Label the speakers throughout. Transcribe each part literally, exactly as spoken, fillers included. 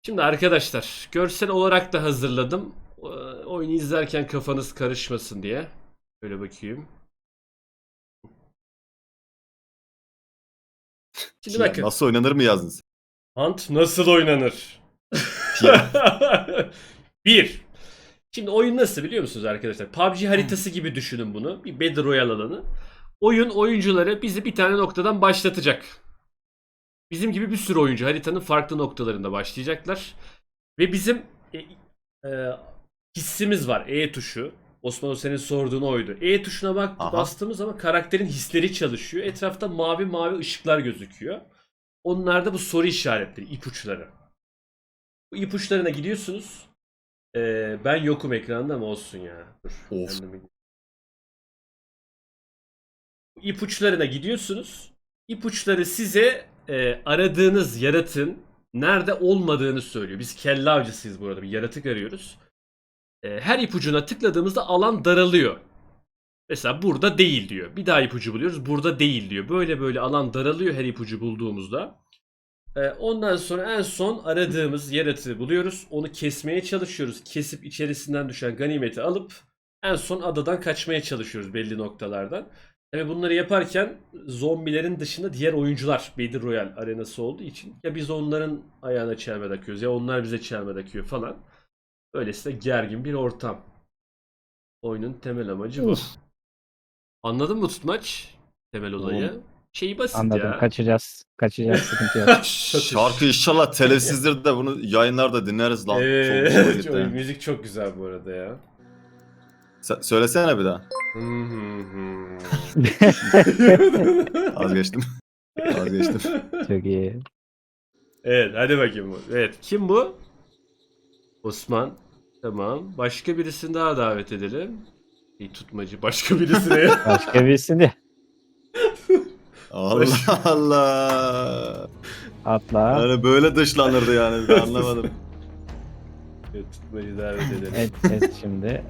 Speaker 1: Şimdi arkadaşlar görsel olarak da hazırladım. Ee, Oyunu izlerken kafanız karışmasın diye. Böyle bakayım. Şimdi
Speaker 2: Ya
Speaker 1: bakın.
Speaker 2: nasıl oynanır mı yazdın sen?
Speaker 1: Hunt nasıl oynanır?
Speaker 2: Ya.
Speaker 1: Bir. Şimdi oyun nasıl biliyor musunuz arkadaşlar? P U B G haritası gibi düşünün bunu. Bir Battle Royale alanı. Oyun oyuncuları bizi bir tane noktadan başlatacak. Bizim gibi bir sürü oyuncu haritanın farklı noktalarında başlayacaklar. Ve bizim e, e, hissimiz var. E tuşu. Osman o senin sorduğun oydu. E tuşuna bak
Speaker 2: Aha.
Speaker 1: bastığımız zaman karakterin hisleri çalışıyor. Etrafta mavi mavi ışıklar gözüküyor. Onlar da bu soru işaretleri, ipuçları. Bu ipuçlarına gidiyorsunuz. Ee, ben yokum ekranda ama olsun ya. Dur.
Speaker 2: Of.
Speaker 1: ben de bir- Bu ipuçlarına gidiyorsunuz. İpuçları size e, aradığınız yaratığın nerede olmadığını söylüyor. Biz kelle avcısıyız bu arada. Bir yaratık arıyoruz. E, her ipucuna tıkladığımızda alan daralıyor. Mesela burada değil diyor. Bir daha ipucu buluyoruz. Burada değil diyor. Böyle böyle alan daralıyor her ipucu bulduğumuzda. Ee, ondan sonra en son aradığımız yaratığı buluyoruz. Onu kesmeye çalışıyoruz. Kesip içerisinden düşen ganimeti alıp en son adadan kaçmaya çalışıyoruz belli noktalardan. Tabii bunları yaparken zombilerin dışında diğer oyuncular Battle Royale arenası olduğu için ya biz onların ayağına çelme takıyoruz ya onlar bize çelme takıyor falan. Öylesine gergin bir ortam. Oyunun temel amacı bu.
Speaker 3: Uf.
Speaker 1: Anladın mı Tutmaç? Temel olayı.
Speaker 2: Oğlum.
Speaker 1: Şeyi basit
Speaker 3: Anladım.
Speaker 1: ya.
Speaker 3: Kaçacağız. Kaçacağız. Sıkıntı yok.
Speaker 2: Şarkı inşallah telifsizdir de bunu yayınlarda dinleriz lan. Çok hoşuma
Speaker 1: Evet,
Speaker 2: gitti.
Speaker 1: o müzik çok güzel bu arada ya.
Speaker 2: Sen- söylesene bir daha.
Speaker 1: Hı hı hı.
Speaker 2: Vazgeçtim. Vazgeçtim.
Speaker 3: Çok iyi.
Speaker 1: Evet, hadi bakayım bu. Evet, kim bu? Osman. Tamam. Başka birisini daha davet edelim. İyi tutmacı. Başka birisine.
Speaker 3: Başka birisi de
Speaker 2: Allah Allah.
Speaker 3: atla.
Speaker 2: Yani böyle dışlanırdı yani. Ben anlamadım.
Speaker 1: Evet, tutmacı davet edelim.
Speaker 3: Evet, evet şimdi.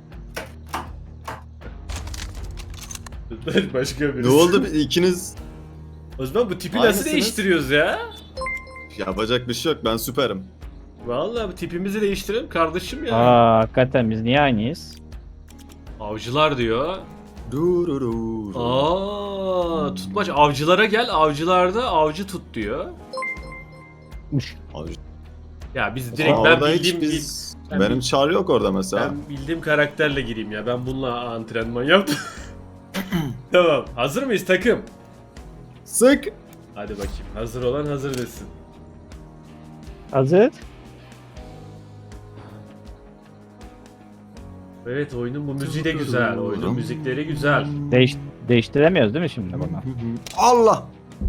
Speaker 1: Tutmaç başka birisi.
Speaker 2: Ne oldu bir- ikiniz?
Speaker 1: Osman bu tipi
Speaker 2: Aynısınız.
Speaker 1: nasıl değiştiriyoruz ya?
Speaker 2: Yapacak bir şey yok. Ben süperim.
Speaker 1: Vallahi bu tipimizi değiştirelim kardeşim ya.
Speaker 3: Aa, hakikaten biz niye aynıyız?
Speaker 1: Avcılar diyor.
Speaker 2: Dururur.
Speaker 1: Aa, tutmaç avcılara gel. Avcılarda avcı tut diyor.
Speaker 2: Abi,
Speaker 1: Ya biz direkt ben
Speaker 2: orada
Speaker 1: bildiğim
Speaker 2: hiç biz...
Speaker 1: ben
Speaker 2: Benim
Speaker 1: bil-
Speaker 2: çağrı yok orada mesela.
Speaker 1: Ben bildiğim karakterle gireyim ya. Ben bununla antrenman yaptım. Tamam. Hazır mıyız takım?
Speaker 2: Sık.
Speaker 1: Hadi bakayım. Hazır olan hazır desin.
Speaker 3: Hazır.
Speaker 1: Evet oyunun bu müziği de güzel. Oyunun müzikleri güzel.
Speaker 3: Değiş değiştiremiyoruz değil mi şimdi bunu?
Speaker 2: Allah.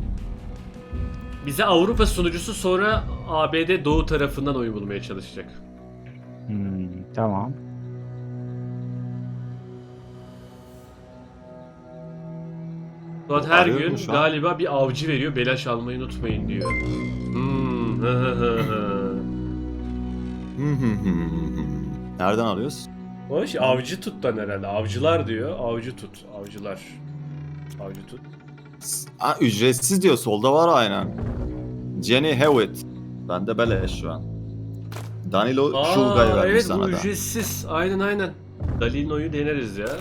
Speaker 1: Bize Avrupa sunucusu sonra A B D Doğu tarafından oyun bulmaya çalışacak.
Speaker 3: Hmm, tamam.
Speaker 1: Suat her
Speaker 2: Arıyorum
Speaker 1: gün
Speaker 2: şu an.
Speaker 1: galiba bir avcı veriyor. Belaş almayı unutmayın diyor. Hmm. hı hı hı hı.
Speaker 2: Nereden alıyoruz?
Speaker 1: Hoş avcı tuttan herhalde. Avcılar diyor. Avcı tut. Avcılar. Avcı tut.
Speaker 2: Ha, ücretsiz diyor. Solda var aynen. Jenny Hewitt. Bende beleş şu an. Danilo Şulgay
Speaker 1: Aa,
Speaker 2: vermiş
Speaker 1: evet
Speaker 2: sana
Speaker 1: bu
Speaker 2: da.
Speaker 1: ücretsiz. Aynen aynen. Dalino'yu deneriz ya.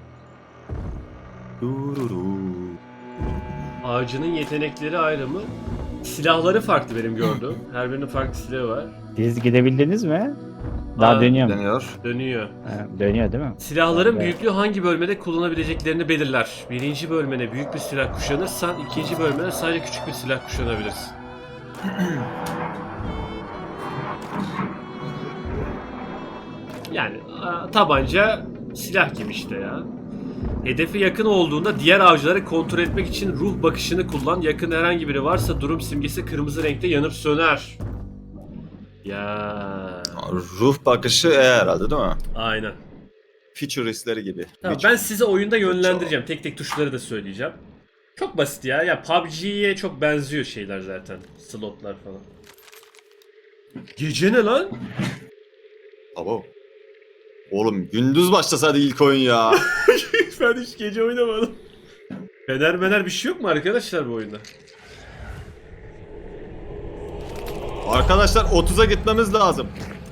Speaker 2: Dururu.
Speaker 1: Avcının yetenekleri ayrı mı? Silahları farklı benim gördüğüm. Her birinin farklı silahı var.
Speaker 3: Siz gidebildiniz mi? Daha
Speaker 1: Aa,
Speaker 3: dönüyor mu?
Speaker 2: Deniyor.
Speaker 1: Dönüyor.
Speaker 3: Ha, dönüyor değil mi?
Speaker 1: Silahların
Speaker 3: Evet.
Speaker 1: büyüklüğü hangi bölmede kullanabileceklerini belirler. Birinci bölmene büyük bir silah kuşanırsan ikinci bölmene sadece küçük bir silah kuşanabilirsin. Yani a, tabanca silah gibi işte ya. Hedefe yakın olduğunda diğer avcıları kontrol etmek için ruh bakışını kullan. Yakın herhangi biri varsa durum simgesi kırmızı renkte yanıp söner. Ya.
Speaker 2: Ruh bakışı E herhalde değil mi?
Speaker 1: Aynen.
Speaker 2: Futuristleri gibi.
Speaker 1: Tamam,
Speaker 2: Hiç-
Speaker 1: ben size oyunda yönlendireceğim. Tek tek tuşları da söyleyeceğim. Çok basit ya. Ya P U B G'ye çok benziyor şeyler zaten. Slotlar falan. Gece ne lan?
Speaker 2: Abo. Oğlum gündüz başlasaydı ilk oyun ya.
Speaker 1: Ben hiç gece oynamadım. Fener mener bir şey yok mu arkadaşlar bu oyunda?
Speaker 2: Arkadaşlar otuza gitmemiz lazım.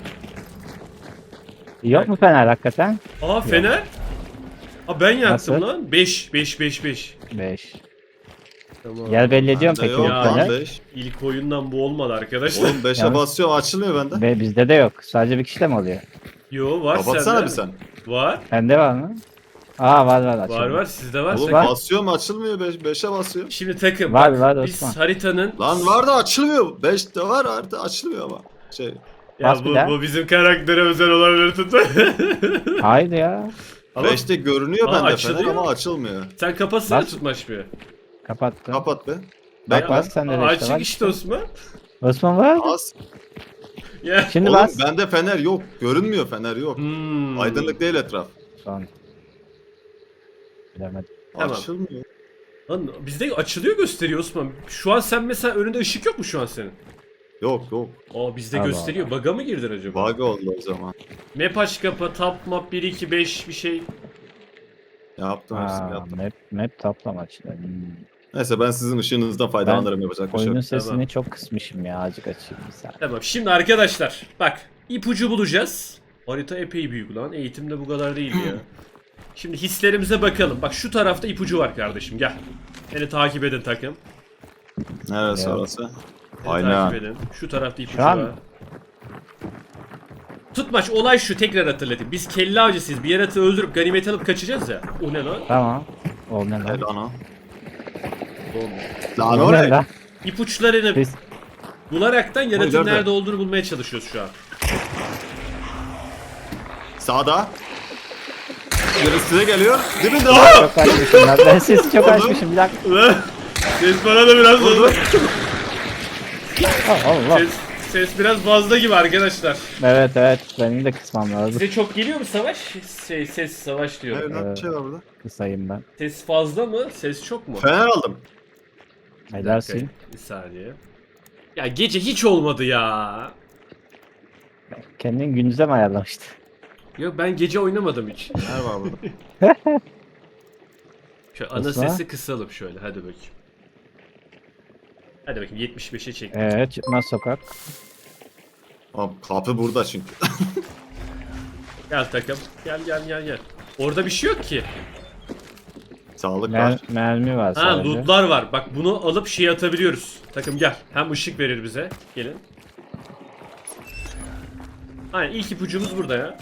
Speaker 3: Yok mu fener hakikaten?
Speaker 1: Aa fener. Aa ben yaktım
Speaker 3: Nasıl?
Speaker 1: lan. beş beş beş beş.
Speaker 3: beş.
Speaker 1: Tamam.
Speaker 3: Yer belli ediyorum
Speaker 2: Bende
Speaker 3: peki
Speaker 2: yok
Speaker 3: yok
Speaker 1: Ya.
Speaker 2: lan
Speaker 3: fener.
Speaker 2: beş.
Speaker 1: İlk oyundan bu olmadı arkadaşlar.
Speaker 2: Oğlum beşe
Speaker 3: Yalnız-
Speaker 2: basıyor açılmıyor bende.
Speaker 3: Ve bizde de yok. Sadece bir kişide mi oluyor?
Speaker 1: Yo var
Speaker 2: Kapatsana
Speaker 1: sende.
Speaker 2: bir sen.
Speaker 1: Var.
Speaker 3: Bende var mı? Aa var var.
Speaker 1: Var
Speaker 3: açalım.
Speaker 1: var sizde var.
Speaker 2: Oğlum
Speaker 3: Var.
Speaker 2: basıyor mu açılmıyor beş, beşe basıyor.
Speaker 1: Şimdi takım.
Speaker 3: Var,
Speaker 1: bak,
Speaker 3: var
Speaker 1: biz
Speaker 3: Osman.
Speaker 1: haritanın
Speaker 2: Lan var da açılmıyor. beş de var artık açılmıyor ama. Şey.
Speaker 1: ya
Speaker 3: Bas bir
Speaker 1: bu,
Speaker 3: daha.
Speaker 1: bu bizim karaktere özel olabilir tutma.
Speaker 3: Haydi ya.
Speaker 1: Ama
Speaker 2: beşte görünüyor
Speaker 1: Aa,
Speaker 2: bende fener
Speaker 1: açılıyor.
Speaker 2: ama açılmıyor.
Speaker 1: sen kapatsana
Speaker 3: Bas.
Speaker 1: tutmaş bir.
Speaker 3: Kapattım.
Speaker 2: Kapat be.
Speaker 3: Bak
Speaker 1: Ya,
Speaker 3: bas sen de
Speaker 1: aa,
Speaker 3: de
Speaker 1: açık
Speaker 3: işte var.
Speaker 1: işte Osman.
Speaker 3: Osman var mı?
Speaker 2: Bas.
Speaker 1: Ya.
Speaker 3: Şimdi
Speaker 2: Oğlum
Speaker 3: bas.
Speaker 2: bende fener yok. Görünmüyor fener yok.
Speaker 1: Hmm.
Speaker 2: Aydınlık değil etraf.
Speaker 3: Son. Bilemedim.
Speaker 1: Tamam.
Speaker 2: Açılmıyor.
Speaker 1: Lan bizde açılıyor gösteriyor Osman. Şu an sen mesela önünde ışık yok mu şu an senin?
Speaker 2: Yok yok.
Speaker 1: Aa bizde
Speaker 3: Allah
Speaker 1: gösteriyor. Bug'a mı girdin acaba?
Speaker 2: Bug oldu o zaman.
Speaker 1: Map aç kapa, tap map bir iki beş bir şey.
Speaker 2: Yaptım hepsini
Speaker 3: Aa,
Speaker 2: yaptım.
Speaker 3: map, map toplama işte. Hmm.
Speaker 2: Neyse ben sizin ışığınızdan faydalanırım yapacak bir şey
Speaker 3: Oyunun
Speaker 2: yok.
Speaker 3: sesini
Speaker 1: Tamam.
Speaker 3: çok kısmışım ya. Azıcık açayım bir saniye.
Speaker 1: Tamam şimdi arkadaşlar bak ipucu bulacağız. Harita epey büyük lan. Eğitimde bu kadar değildi ya. Şimdi hislerimize bakalım. Bak şu tarafta ipucu var kardeşim gel. Beni takip edin takım.
Speaker 2: Neresi
Speaker 3: Ya.
Speaker 2: orası?
Speaker 1: Beni
Speaker 2: Aynen.
Speaker 1: takip edin. Şu tarafta ipucu
Speaker 3: Şu an-
Speaker 1: var. Tutmaç olay şu tekrar hatırlatayım. Biz kelle avcısıyız. Bir yaratığı öldürüp ganimet alıp kaçacağız ya. O ne lan?
Speaker 3: Tamam. O ne
Speaker 2: Ne
Speaker 3: lan?
Speaker 2: lan o?
Speaker 1: Bomba.
Speaker 2: Lan
Speaker 3: O
Speaker 2: o
Speaker 3: ne
Speaker 2: ne?
Speaker 3: lan?
Speaker 1: İpuçlarını
Speaker 3: Biz
Speaker 1: bularaktan yaratığın
Speaker 2: nerede?
Speaker 1: nerede olduğunu bulmaya çalışıyoruz şu an.
Speaker 2: Sağda. Biri size geliyor. Dibinde lan.
Speaker 3: çok açmışım lan. Ben sesi çok açmışım. Bir dakika.
Speaker 1: Ulan ses bana da biraz
Speaker 2: Vurdu.
Speaker 1: oldu.
Speaker 3: Oh, Allah.
Speaker 1: Ses, ses biraz fazla gibi arkadaşlar.
Speaker 3: Evet evet. Benim de kısmam lazım.
Speaker 1: Size çok geliyor mu savaş? Şey, ses savaş diyorum.
Speaker 2: Evet lan bir şey var burada.
Speaker 3: Kısayım ben.
Speaker 1: Ses fazla mı? Ses çok mu?
Speaker 2: Fener aldım.
Speaker 3: Helalsin.
Speaker 1: Bir saniye. Ya gece hiç olmadı ya.
Speaker 3: Kendin gündüze mi ayarlamıştın?
Speaker 1: Yok ben gece oynamadım hiç.
Speaker 2: Fener var burada.
Speaker 1: Şöyle ana
Speaker 3: Osman?
Speaker 1: sesi kısalım şöyle hadi bakayım. Hadi bakayım yetmiş beşe çek.
Speaker 3: Evet çıkmaz sokak.
Speaker 2: Abi, kapı burada çünkü.
Speaker 1: Gel takım. Gel gel gel gel. Orada bir şey yok ki.
Speaker 2: Sağlık
Speaker 3: Mer
Speaker 2: var.
Speaker 3: mermi var
Speaker 1: Ha
Speaker 3: sadece.
Speaker 1: lootlar var. Bak bunu alıp şey atabiliyoruz. Takım gel. Hem ışık verir bize. Gelin. Aynen ilk ipucumuz burada ya.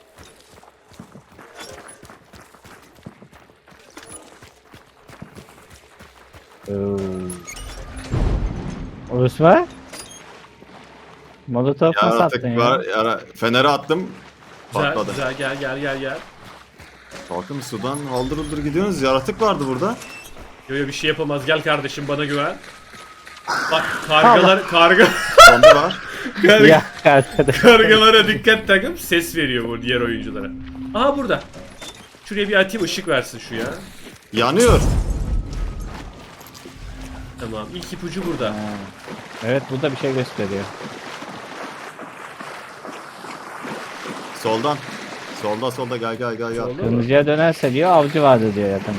Speaker 3: Oo. Osman? Molotov mu sattın
Speaker 2: Yaratık
Speaker 3: ya?
Speaker 2: var. Yara... Feneri attım.
Speaker 1: Güzel
Speaker 2: Patladı.
Speaker 1: güzel gel gel gel gel.
Speaker 2: Bakın sudan haldır huldur gidiyorsunuz. Yaratık vardı burada.
Speaker 1: Yo yo bir şey yapamaz. Gel kardeşim bana güven. Bak kargalar karga
Speaker 2: Zombi var.
Speaker 1: karga,
Speaker 3: Ya arkadaş.
Speaker 1: kargalara dikkat takım ses veriyor bu diğer oyunculara. Aha burada. Şuraya bir atayım ışık versin şu ya.
Speaker 2: Yanıyor.
Speaker 1: Tamam ilk ipucu burada.
Speaker 3: Ha. Evet burada bir şey gösteriyor.
Speaker 2: Soldan. Solda solda gel gel gel gel.
Speaker 1: Solda mı?
Speaker 3: Kırmızıya dönerse diyor avcı vardı diyor yakında.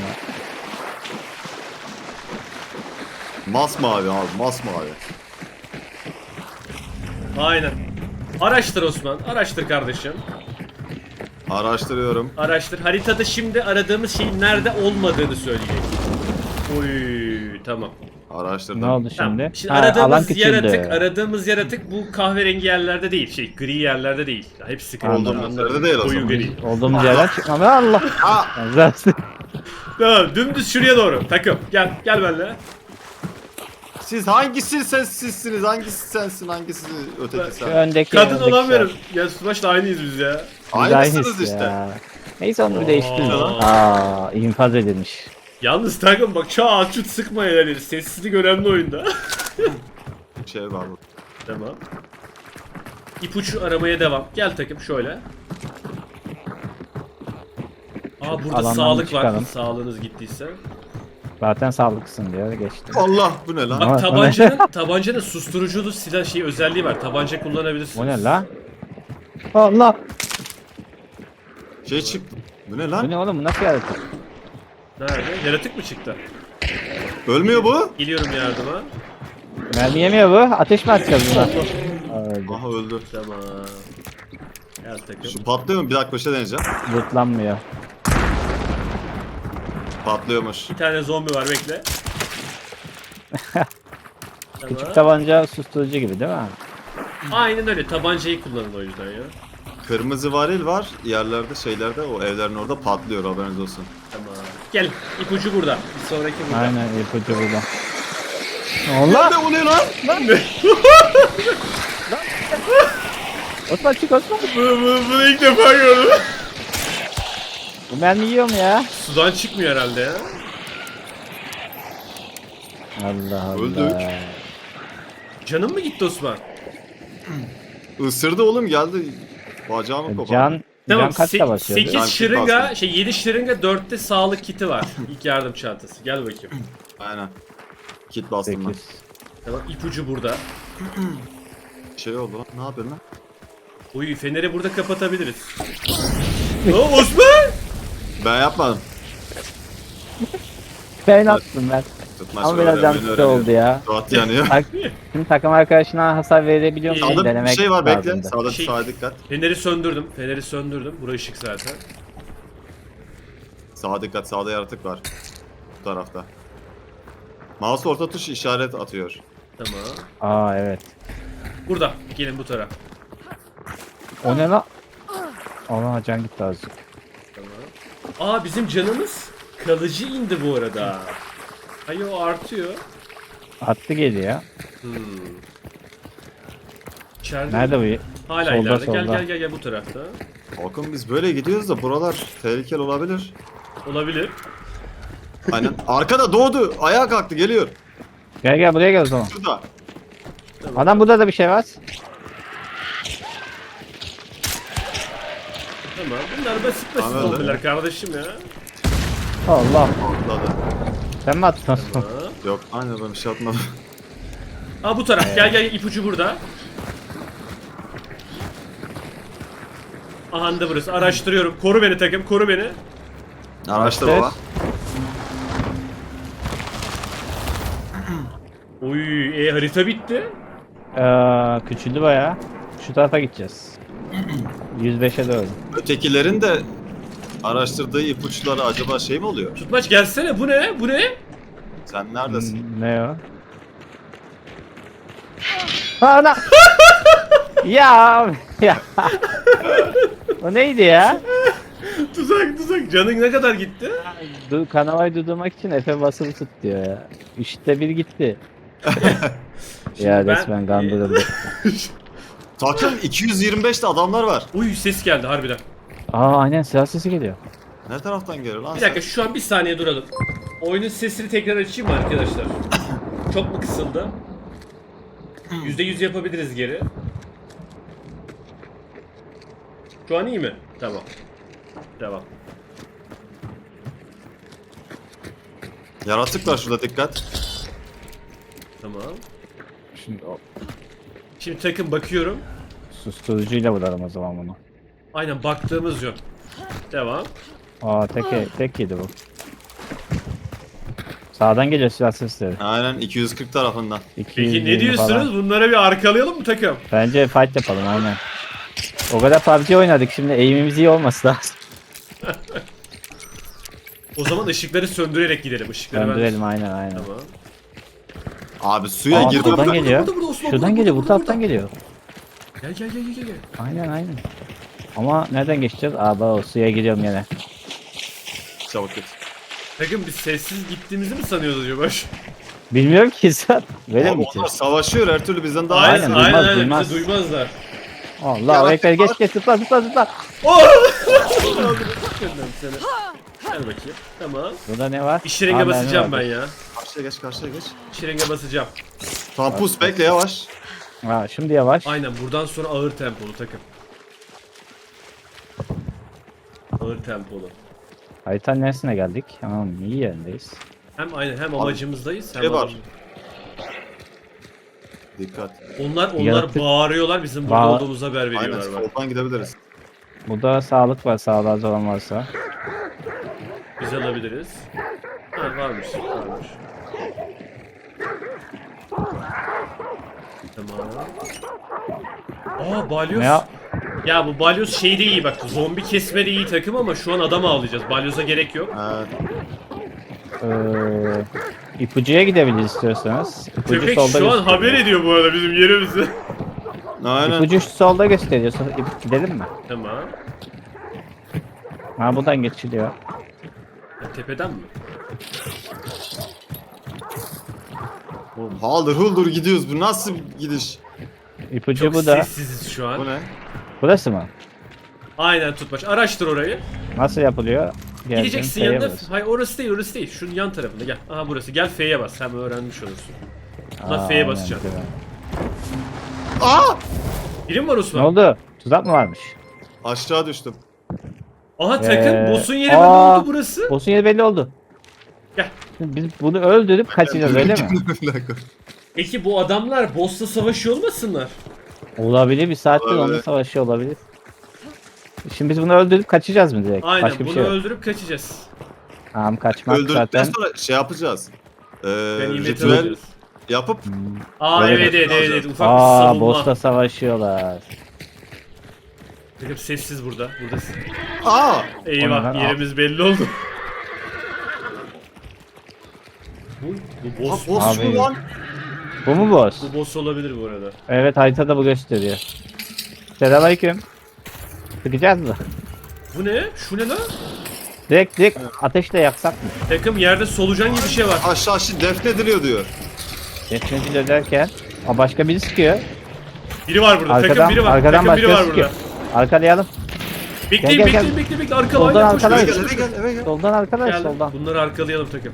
Speaker 2: Masmavi abi masmavi.
Speaker 1: Aynen. Araştır Osman. Araştır kardeşim.
Speaker 2: Araştırıyorum.
Speaker 1: Araştır. Haritada şimdi aradığımız şeyin nerede olmadığını söyleyecek. Oy tamam.
Speaker 2: Araştırdım.
Speaker 3: Ne oldu
Speaker 1: Tamam.
Speaker 3: şimdi?
Speaker 1: Şimdi
Speaker 3: Ha, alan
Speaker 1: aradığımız
Speaker 3: küçüldü.
Speaker 1: yaratık, aradığımız yaratık bu kahverengi yerlerde değil. Şey, gri yerlerde değil. Hepsi kırmızı.
Speaker 2: Olduğumuz
Speaker 1: anladın
Speaker 2: yerde
Speaker 1: mı?
Speaker 2: değil o
Speaker 1: Koyu
Speaker 2: zaman.
Speaker 1: gri.
Speaker 3: Olduğumuz yerden çıkmam. Allah.
Speaker 2: Ha!
Speaker 3: Benzersin.
Speaker 1: Tamam, dümdüz şuraya doğru. Takım. Gel, gel benimle.
Speaker 2: Siz hangisi sensizsiniz? Hangisi sensin? Hangisi öteki
Speaker 3: Şu
Speaker 2: sen?
Speaker 3: öndeki
Speaker 1: Kadın
Speaker 3: öndeki
Speaker 1: olamıyorum.
Speaker 3: şart.
Speaker 1: Ya Subaş'la aynıyız biz ya.
Speaker 3: Biz
Speaker 2: Aynısınız
Speaker 3: aynıyız
Speaker 2: işte.
Speaker 3: ya. Neyse onu bir değiştirelim.
Speaker 1: Aa.
Speaker 3: Aa, infaz edilmiş.
Speaker 1: Yalnız takım bak çağ çut sıkmayın yani. Sessizlik önemli oyunda.
Speaker 2: Bir şey var burada.
Speaker 1: Tamam. İpucu aramaya devam. Gel takım şöyle. Aa burada
Speaker 3: Alandan
Speaker 1: sağlık
Speaker 3: bir
Speaker 1: var.
Speaker 3: çıkalım.
Speaker 1: Sağlığınız gittiyse.
Speaker 3: Zaten sağlıklısın diyor geçti.
Speaker 2: Allah bu ne lan?
Speaker 3: Ama-
Speaker 1: Bak tabancanın tabancanın susturuculu silah şey özelliği var. Tabanca kullanabilirsiniz.
Speaker 3: O ne la? Allah.
Speaker 2: Şey çıktı. Bu ne
Speaker 3: Bu
Speaker 2: lan?
Speaker 3: ne oğlum bu nasıl yaratık?
Speaker 1: Nerede? Yaratık mı çıktı?
Speaker 2: Ölmüyor bu.
Speaker 1: Geliyorum yardıma.
Speaker 3: Mermi yemiyor bu. Ateş mi atacağız buna? Öldü.
Speaker 2: Aha öldü.
Speaker 1: Tamam. Gel takım.
Speaker 2: Şu patlıyor mu? Bir dakika bir şey deneyeceğim.
Speaker 3: Lootlanmıyor.
Speaker 2: Patlıyormuş.
Speaker 1: Bir tane zombi var bekle.
Speaker 3: Küçük
Speaker 1: Tamam.
Speaker 3: tabanca susturucu gibi değil mi?
Speaker 1: Aynen öyle. Tabancayı kullanın o yüzden ya.
Speaker 2: Kırmızı varil var. Yerlerde şeylerde o evlerin orada patlıyor haberiniz olsun.
Speaker 1: Tamam. Gel. İpucu burada. Bir sonraki burada.
Speaker 3: Aynen ipucu burada. Allah!
Speaker 2: Ne oluyor lan?
Speaker 3: Osman çık Osman.
Speaker 1: Bu, bu, bunu ilk defa gördüm.
Speaker 3: Bu mermi yiyor mu ya?
Speaker 1: Sudan çıkmıyor herhalde ya.
Speaker 3: Allah Allah.
Speaker 2: Öldük.
Speaker 1: Canın mı gitti Osman?
Speaker 2: Isırdı oğlum geldi. Bacağımı kopardı.
Speaker 3: Can,
Speaker 1: Tamam.
Speaker 3: can kaçta basıyor?
Speaker 2: Can
Speaker 1: sekiz
Speaker 2: kit
Speaker 1: şırınga,
Speaker 2: bastım.
Speaker 1: şey yedi şırınga, dörtte sağlık kiti var. İlk yardım çantası. Gel bakayım.
Speaker 2: Aynen. Kit bastım ben.
Speaker 3: sekiz.
Speaker 1: Tamam, ipucu burada.
Speaker 2: Şey oldu lan. Ne yapıyorsun lan?
Speaker 1: Uy, feneri burada kapatabiliriz. Aa, Osman!
Speaker 2: Ben yapmadım.
Speaker 3: Ben attım ben.
Speaker 2: Tutmaç
Speaker 3: Ama biraz
Speaker 2: öğrenmeni
Speaker 3: yanlış
Speaker 2: öğreniyorum.
Speaker 3: oldu ya.
Speaker 2: Suat yanıyor.
Speaker 3: Tak, şimdi takım arkadaşına hasar verebiliyor musun?
Speaker 2: Sağda bir
Speaker 3: Denemek
Speaker 2: şey var bekle.
Speaker 3: lazımdı.
Speaker 2: Sağda
Speaker 1: Şey-
Speaker 2: sağa dikkat.
Speaker 1: Feneri söndürdüm. Feneri söndürdüm. Burası ışık zaten.
Speaker 2: Sağa dikkat. Sağda yaratık var. Bu tarafta. Mouse orta tuş işaret atıyor.
Speaker 1: Tamam.
Speaker 3: Aa evet.
Speaker 1: Burada. Gelin bu taraf.
Speaker 3: O ne lan? Ona can gitti azıcık.
Speaker 1: Tamam. Aa, bizim canımız kalıcı indi bu arada. Hayır, o artıyor.
Speaker 3: Attı geliyor.
Speaker 1: Hmm. İçeride
Speaker 3: Nerede
Speaker 1: mi?
Speaker 3: bu?
Speaker 1: Hala
Speaker 3: Solda,
Speaker 1: ileride. Gel
Speaker 3: solda.
Speaker 1: gel gel gel bu tarafta.
Speaker 2: Bakın biz böyle gidiyoruz da buralar tehlikeli olabilir.
Speaker 1: Olabilir.
Speaker 2: Aynen. Arkada doğdu. Ayağa kalktı geliyor.
Speaker 3: Gel gel buraya gel o zaman.
Speaker 2: Şurada.
Speaker 3: Adam burada da bir şey var.
Speaker 1: Tamam. Bunlar basit basit
Speaker 2: Tamam,
Speaker 1: oldular kardeşim ya.
Speaker 3: Allah.
Speaker 2: Atladı.
Speaker 3: Sen mi attın Osman?
Speaker 1: Tamam.
Speaker 2: Yok aynen ben bir şey atmadım.
Speaker 1: Aa, bu taraf. Gel gel, ipucu burada. Aha da burası. Araştırıyorum. Koru beni takım. Koru beni.
Speaker 2: Araçta
Speaker 3: Evet.
Speaker 2: baba.
Speaker 1: Oy, e, harita bitti.
Speaker 3: Ee, küçüldü bayağı. Şu tarafa gideceğiz. yüz beşe doğru.
Speaker 2: Ötekilerin de araştırdığı ipuçları acaba şey mi oluyor?
Speaker 1: Tutmaç gelsene. Bu ne? Bu ne?
Speaker 2: Sen neredesin?
Speaker 3: Hmm, Ne o? Ana! ya ya. O neydi ya?
Speaker 1: Tuzak tuzak. Canın ne kadar gitti?
Speaker 3: Du kanavayı durdurmak için Efe basılı tut diyor ya. Üçte bir gitti. ya
Speaker 1: ben-
Speaker 3: resmen kandırıldı.
Speaker 2: Takım iki yüz yirmi beşte adamlar var.
Speaker 1: Uy, ses geldi harbiden.
Speaker 3: Aa aynen silah sesi geliyor.
Speaker 2: Ne taraftan geliyor lan
Speaker 1: Bir
Speaker 2: sen?
Speaker 1: dakika, şu an bir saniye duralım. Oyunun sesini tekrar açayım mı arkadaşlar? Çok mu kısıldı? yüzde yüz yapabiliriz geri. Şu an iyi mi? Tamam. Devam.
Speaker 2: Yaratık var şurada dikkat.
Speaker 1: Tamam.
Speaker 3: Şimdi o
Speaker 1: Şimdi takım bakıyorum.
Speaker 3: susturucuyla vuralım o zaman bunu.
Speaker 1: Aynen baktığımız yön. Devam.
Speaker 3: Aa tek tek yedi bu. Sağdan geliyor silah sesleri.
Speaker 2: Aynen iki yüz kırk tarafından.
Speaker 1: Peki
Speaker 3: iki yüz
Speaker 1: ne
Speaker 3: yirmi
Speaker 1: diyorsunuz?
Speaker 3: falan.
Speaker 1: Bunlara bir arkalayalım mı takım?
Speaker 3: Bence fight yapalım aynen. O kadar P U B G oynadık şimdi eğimimiz iyi olması lazım.
Speaker 1: O zaman ışıkları söndürerek gidelim. Işıkları ben-
Speaker 3: Döndürelim aynen aynen.
Speaker 1: Tamam.
Speaker 2: Abi suya
Speaker 3: Aa,
Speaker 2: girdim.
Speaker 3: buradan
Speaker 2: ben.
Speaker 3: geliyor.
Speaker 1: burada, burada, Osman,
Speaker 3: Şuradan
Speaker 1: burada,
Speaker 3: geliyor bu
Speaker 1: burada,
Speaker 3: taraftan
Speaker 1: burada.
Speaker 3: geliyor.
Speaker 1: Gel gel gel gel gel.
Speaker 3: Aynen aynen. Ama nereden geçeceğiz? Aa bak o suya gidiyorum yine.
Speaker 2: Çabuk git.
Speaker 1: Takım biz sessiz gittiğimizi mi sanıyoruz acaba?
Speaker 3: Bilmiyorum ki sen. Böyle
Speaker 2: Abi
Speaker 3: mi
Speaker 2: onlar
Speaker 3: gideceğiz?
Speaker 2: savaşıyor her türlü bizden daha
Speaker 1: Aynen
Speaker 2: iyi.
Speaker 3: Aynen,
Speaker 1: aynen
Speaker 3: duymaz,
Speaker 1: aynen,
Speaker 3: duymaz.
Speaker 1: bizi duymazlar.
Speaker 3: Allah
Speaker 2: Ya
Speaker 3: o
Speaker 2: bak-
Speaker 3: ekber geç geç zıpla zıpla zıpla.
Speaker 1: Oh! Gönderdim seni. Gel bakayım. Tamam.
Speaker 3: Burada ne var?
Speaker 1: Bir şırınga
Speaker 3: Aa, mermi
Speaker 1: basacağım ben
Speaker 3: vardı.
Speaker 1: ya.
Speaker 2: Karşıya geç karşıya geç.
Speaker 1: Bir şırınga basacağım.
Speaker 2: Tamam pus bekle yavaş.
Speaker 3: Ha, şimdi yavaş.
Speaker 1: Aynen, buradan sonra ağır tempolu takım. Ağır tempolu.
Speaker 3: Haritanın neresine geldik? Tamam iyi yerindeyiz.
Speaker 1: Hem aynen hem amacımızdayız hem
Speaker 2: şey var.
Speaker 1: amacım-
Speaker 2: Dikkat.
Speaker 1: Onlar onlar
Speaker 3: Yaratık-
Speaker 1: bağırıyorlar, bizim burada
Speaker 3: Bağ-
Speaker 1: olduğumuzu haber
Speaker 2: Aynen
Speaker 1: veriyorlar bak.
Speaker 2: soldan gidebiliriz.
Speaker 3: Burada sağlık var sağlığa olan varsa.
Speaker 1: Biz alabiliriz. Ha, varmış varmış. Tamam. Aa balyoz.
Speaker 3: Ne ya?
Speaker 1: Ya bu balyoz şeyde iyi bak. Zombi kesmede iyi takım ama şu an adam avlayacağız. Balyoza gerek yok.
Speaker 2: Evet.
Speaker 3: Ee, ipucuya gidebiliriz istiyorsanız. İpucu
Speaker 1: Köpek
Speaker 3: solda
Speaker 1: şu an
Speaker 3: gösteriyor.
Speaker 1: haber ediyor bu arada bizim yerimizi.
Speaker 2: Aynen.
Speaker 3: İpucu şu solda gösteriyor. Sonra ip- gidelim mi?
Speaker 1: Tamam.
Speaker 3: Ha buradan geçiliyor.
Speaker 1: Tepeden mi?
Speaker 2: Oğlum, haldır huldur gidiyoruz. Bu nasıl bir gidiş?
Speaker 3: İpucu
Speaker 1: Çok
Speaker 3: bu da.
Speaker 1: sessiziz şu an.
Speaker 2: Bu ne?
Speaker 3: Burası mı?
Speaker 1: Aynen Tutmaç. Araştır orayı.
Speaker 3: Nasıl yapılıyor? Geldim,
Speaker 1: Gideceksin
Speaker 3: F'ye
Speaker 1: yanına.
Speaker 3: bas.
Speaker 1: Hayır orası değil orası değil. Şunun yan tarafında gel. Aha burası. Gel F'ye bas. Hem öğrenmiş olursun. Buna
Speaker 3: Aa,
Speaker 1: F'ye
Speaker 3: aynen,
Speaker 1: basacaksın.
Speaker 3: güzel.
Speaker 2: Aa!
Speaker 1: Biri mi var
Speaker 3: Ne
Speaker 1: Osman?
Speaker 3: oldu? Tuzak mı varmış?
Speaker 2: Aşağı düştüm.
Speaker 1: Aha takım.
Speaker 3: Ee,
Speaker 1: Boss'un yeri
Speaker 3: aa.
Speaker 1: belli oldu burası.
Speaker 3: Boss'un yeri belli oldu.
Speaker 1: Gel.
Speaker 3: Biz bunu öldürüp kaçacağız öyle mi?
Speaker 2: Bir dakika.
Speaker 1: Peki bu adamlar boss'la savaşıyor olmasınlar?
Speaker 3: Olabilir, bir saattir
Speaker 2: Olabilir.
Speaker 3: onunla savaşı olabilir. Şimdi biz bunu öldürüp kaçacağız mı direkt?
Speaker 1: Aynen
Speaker 3: Başka bir
Speaker 1: bunu
Speaker 3: şey yok.
Speaker 1: öldürüp kaçacağız.
Speaker 3: Tamam, kaçmak
Speaker 2: Öldürdükten
Speaker 3: zaten.
Speaker 2: sonra şey yapacağız. Ee,
Speaker 1: Ben ilmeti
Speaker 2: ritüel
Speaker 1: alacağız.
Speaker 2: yapıp
Speaker 3: Hmm.
Speaker 1: Aa
Speaker 3: Öyle
Speaker 1: evet evet evet,
Speaker 2: alacağız.
Speaker 1: evet. Ufak bir
Speaker 3: Aa,
Speaker 1: savunma.
Speaker 3: boss'la savaşıyorlar.
Speaker 1: Takım sessiz burada. Buradasın.
Speaker 2: aa!
Speaker 1: Eyvah
Speaker 3: Ondan-
Speaker 1: yerimiz belli oldu. bu, bu
Speaker 2: Ha,
Speaker 1: boss.
Speaker 2: boss
Speaker 3: Abi.
Speaker 2: mu lan?
Speaker 3: Bu mu boss?
Speaker 1: Bu boss olabilir bu arada.
Speaker 3: Evet, haritada bu gösteriyor. Selamünaleyküm. Sıkacağız mı?
Speaker 1: Bu ne? Şu ne lan?
Speaker 3: Direkt direkt ateşle yaksak mı?
Speaker 1: Takım yerde solucan gibi bir şey var.
Speaker 2: Aşağı şimdi defnediliyor diyor.
Speaker 3: Geçmeci dönerken. Aa, başka biri sıkıyor.
Speaker 1: Biri var burada.
Speaker 3: Arkadan,
Speaker 1: takım biri var.
Speaker 3: arkadan
Speaker 1: takım biri
Speaker 3: başka
Speaker 1: var
Speaker 3: sıkıyor.
Speaker 1: burada.
Speaker 3: Arkalayalım.
Speaker 1: Bekleyin
Speaker 3: Gel, gel,
Speaker 1: bekleyin
Speaker 3: gel.
Speaker 1: bekleyin bekleyin. Arkalayın.
Speaker 3: Soldan
Speaker 1: koşun,
Speaker 3: arkalayın.
Speaker 1: koşun,
Speaker 2: Eve gel,
Speaker 1: koşun.
Speaker 2: eve gel, eve gel.
Speaker 3: Soldan arkadaş,
Speaker 1: Gel,
Speaker 3: soldan.
Speaker 1: bunları arkalayalım takım.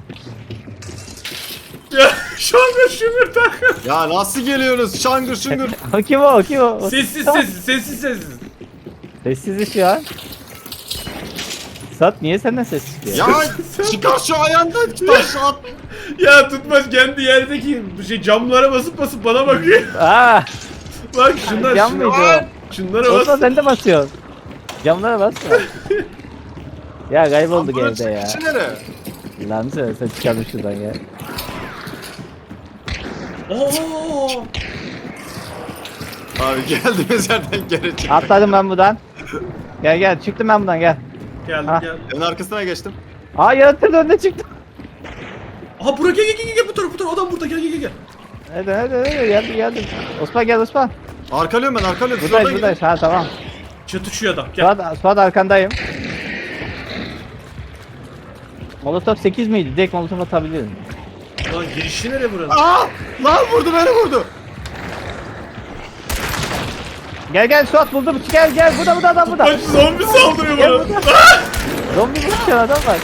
Speaker 1: Ya şangır şungur takım.
Speaker 2: Ya nasıl geliyorsunuz? Şangır şungur.
Speaker 3: O kim o? O kim o? O-
Speaker 1: Sessiz sessiz sessiz sessiz.
Speaker 3: Sessiz şu an. Sat, niye senden ses çıkıyor?
Speaker 2: Ya çıkar şu ayağından taş at.
Speaker 1: Ya tutmaz kendi yerdeki bu şey camlara basıp basıp bana bakıyor.
Speaker 3: Aa,
Speaker 1: Bak şunlar
Speaker 3: cam
Speaker 1: şunlar.
Speaker 3: mıydı o?
Speaker 1: Şunlara
Speaker 3: Olsa
Speaker 1: bas.
Speaker 3: sen de basıyorsun. Camlara basma. Ya kaybolduk
Speaker 2: Bunun
Speaker 3: evde ya.
Speaker 2: çıkışı nere?
Speaker 3: Lan sen, sen çıkalım şuradan ya.
Speaker 1: Oo!
Speaker 2: Abi geldiğimiz yerden geri çıktık.
Speaker 3: Atladım ben buradan. Gel gel, çıktım ben buradan, gel.
Speaker 1: Geldim
Speaker 3: Ha.
Speaker 1: gel.
Speaker 2: En arkasına geçtim.
Speaker 3: Aa, yaratır önüne çıktım.
Speaker 1: Aha buraya gel gel gel gel bu tarafa bu tarafa adam burada gel gel gel, gel.
Speaker 3: Hadi hadi hadi, geldim geldim. Osman gel Osman.
Speaker 2: Arkalıyorum ben arkalıyorum. Siz
Speaker 3: Buradayız
Speaker 2: oradan
Speaker 3: buradayız, ha tamam.
Speaker 1: Çatışıyor adam gel.
Speaker 3: Suat, Suat arkandayım. Molotov sekiz miydi? Direkt Molotov atabilirim.
Speaker 1: Lan girişi nere buranın?
Speaker 2: Aa! Lan vurdu beni vurdu.
Speaker 3: Gel gel Suat, buldum. Gel gel, burada burada adam burada.
Speaker 1: Bak zombi saldırıyor
Speaker 3: Gel
Speaker 1: bana.
Speaker 3: burada. Zombi vuruşan adam var.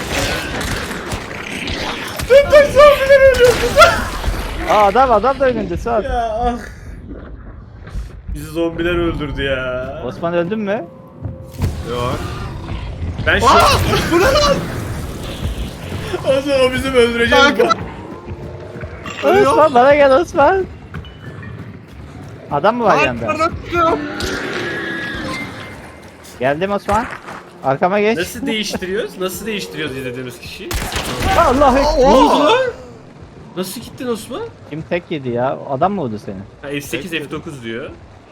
Speaker 1: Tek zombiler ölüyor.
Speaker 3: Aa, adam adam da önünde Suat.
Speaker 1: Ya ah. Bizi zombiler öldürdü ya.
Speaker 3: Osman öldün mü?
Speaker 2: Yok.
Speaker 1: Ben şu
Speaker 2: Aa! Bu ne lan?
Speaker 1: o zaman o bizim öldüreceğiz.
Speaker 2: Kanka. Ölüyor.
Speaker 3: Osman bana gel Osman. Adam mı var
Speaker 2: Ay,
Speaker 3: yanında?
Speaker 2: pardon, tutuyorum.
Speaker 3: Geldim Osman. Arkama geç.
Speaker 1: Nasıl değiştiriyoruz? Nasıl değiştiriyoruz izlediğimiz kişiyi?
Speaker 3: Allah
Speaker 2: Aa,
Speaker 3: ekber.
Speaker 1: Ne oldu
Speaker 2: oo!
Speaker 1: lan? Nasıl gittin Osman?
Speaker 3: Kim tek yedi ya? Adam mı vurdu seni?
Speaker 1: Ha, F sekiz F dokuz diyor.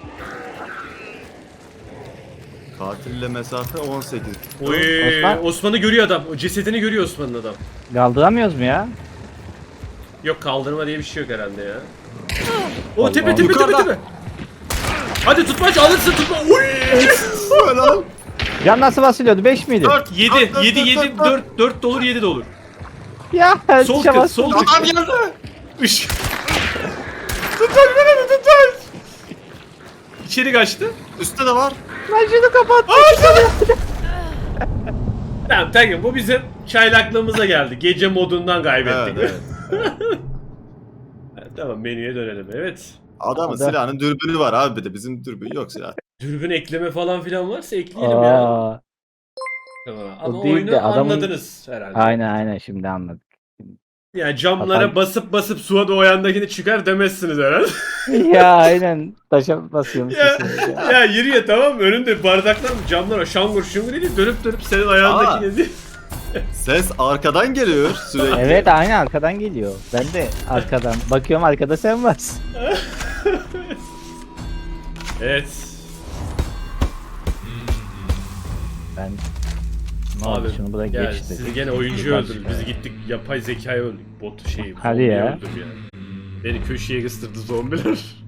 Speaker 2: Katille mesafe on sekiz.
Speaker 1: Oy,
Speaker 3: Osman?
Speaker 1: Osman'ı görüyor adam. O cesedini görüyor Osman'ın adam.
Speaker 3: Kaldıramıyoruz mu ya?
Speaker 1: Yok kaldırma diye bir şey yok herhalde ya. O
Speaker 3: Allah.
Speaker 1: tepe tepe tepe
Speaker 2: Yukarıda.
Speaker 1: tepe. Hadi tutmaç alırsın tutma. Uy!
Speaker 2: Bu ne lan?
Speaker 3: Can nasıl basılıyordu? beş miydi?
Speaker 2: Dört.
Speaker 1: yedi
Speaker 2: Dört,
Speaker 1: yedi
Speaker 2: dört,
Speaker 1: yedi
Speaker 2: dört, dört.
Speaker 1: dört dört de olur yedi de olur.
Speaker 3: Ya
Speaker 1: Sol
Speaker 3: tuşa
Speaker 1: kız
Speaker 3: bastım.
Speaker 1: sol
Speaker 2: Adam
Speaker 1: kız.
Speaker 2: geldi.
Speaker 1: Iş. Tutmaç beni tutmaç. İçeri kaçtı.
Speaker 2: Üstte de var.
Speaker 3: Lan şunu kapat.
Speaker 1: Tamam tamam bu bizim çaylaklığımıza geldi. Gece modundan kaybettik.
Speaker 2: Evet,
Speaker 1: Evet, tamam menüye dönelim. Evet.
Speaker 2: Adamın
Speaker 3: Adam-
Speaker 2: silahının dürbünü var abi bir de bizim dürbün yok silah.
Speaker 1: Dürbün ekleme falan filan varsa ekleyelim ya.
Speaker 3: Aa,
Speaker 1: Tamam. Ama
Speaker 3: o değil
Speaker 1: oyunu
Speaker 3: de adamın-
Speaker 1: anladınız herhalde.
Speaker 3: aynen aynen, şimdi anladık.
Speaker 1: Yani camlara
Speaker 3: Hatta-
Speaker 1: basıp basıp suya da o yandakini çıkar demezsiniz herhalde.
Speaker 3: Ya aynen, taşa basıyormuş.
Speaker 1: ya,
Speaker 3: ya.
Speaker 1: ya yürü ya tamam mı? Önünde bardaklar camlara şangur şungur idi dönüp dönüp senin ayağındakini değil.
Speaker 2: Ses arkadan geliyor sürekli.
Speaker 3: Evet aynı arkadan geliyor. Ben de arkadan. Bakıyorum arkada sen varsın.
Speaker 1: Evet.
Speaker 3: Ben ne oldu
Speaker 1: Abi
Speaker 3: şunu bırak
Speaker 1: gel,
Speaker 3: geç
Speaker 1: siz
Speaker 3: dedik.
Speaker 1: gene oyuncu
Speaker 3: Yukarı
Speaker 1: öldürdünüz.
Speaker 3: çıkar.
Speaker 1: Biz gittik yapay zekayı öldük. Bot şeyi.
Speaker 3: Hadi
Speaker 1: zombiyi
Speaker 3: ya.
Speaker 1: öldürdü yani. Beni köşeye kıstırdı zombiler.